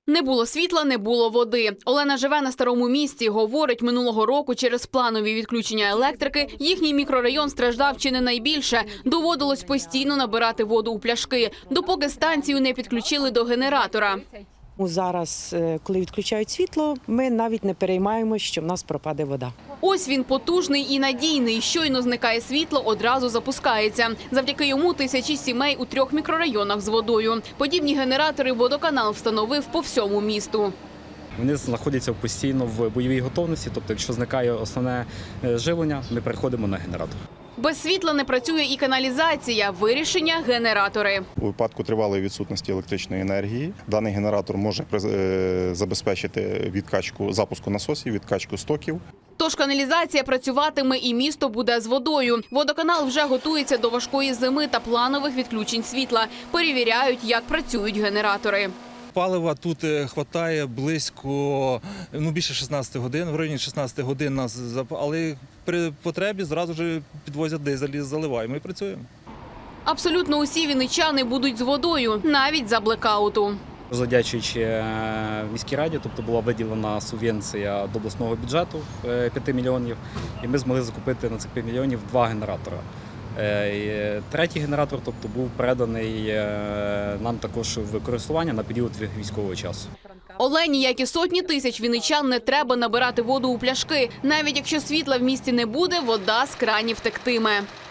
Не було світла, не було води. Олена живе на Старому Місті. Говорить, минулого року через планові відключення електрики їхній мікрорайон страждав чи не найбільше. Доводилось постійно набирати воду у пляшки, допоки станцію не підключили до генератора. Зараз, коли відключають світло, ми навіть не переймаємося, що в нас пропаде вода. Ось він потужний і надійний. Щойно зникає світло, одразу запускається. Завдяки йому тисячі сімей у 3 мікрорайонах з водою. Подібні генератори водоканал встановив по всьому місту. Вони знаходяться постійно в бойовій готовності, тобто якщо зникає основне живлення, ми переходимо на генератор. Без світла не працює і каналізація. Вирішення – генератори. У випадку тривалої відсутності електричної енергії даний генератор може забезпечити відкачку запуску насосів, відкачку стоків. Тож каналізація працюватиме і місто буде з водою. Водоканал вже готується до важкої зими та планових відключень світла. Перевіряють, як працюють генератори. Палива тут вистачає близько, більше 16 годин, в районі 16 годин нас, але при потребі зразу ж підвозять дизель, заливаємо і працюємо. Абсолютно усі вінничани будуть з водою, навіть за блекауту. Завдячуючи міській раді, тобто була виділена субвенція до обласного бюджету 5 мільйонів, і ми змогли закупити на цих 5 мільйонів 2 генератори. Третій генератор, тобто, був переданий нам також в користування на період військового часу. Олені, як і сотні тисяч вінничан, не треба набирати воду у пляшки. Навіть якщо світла в місті не буде, вода з кранів тектиме.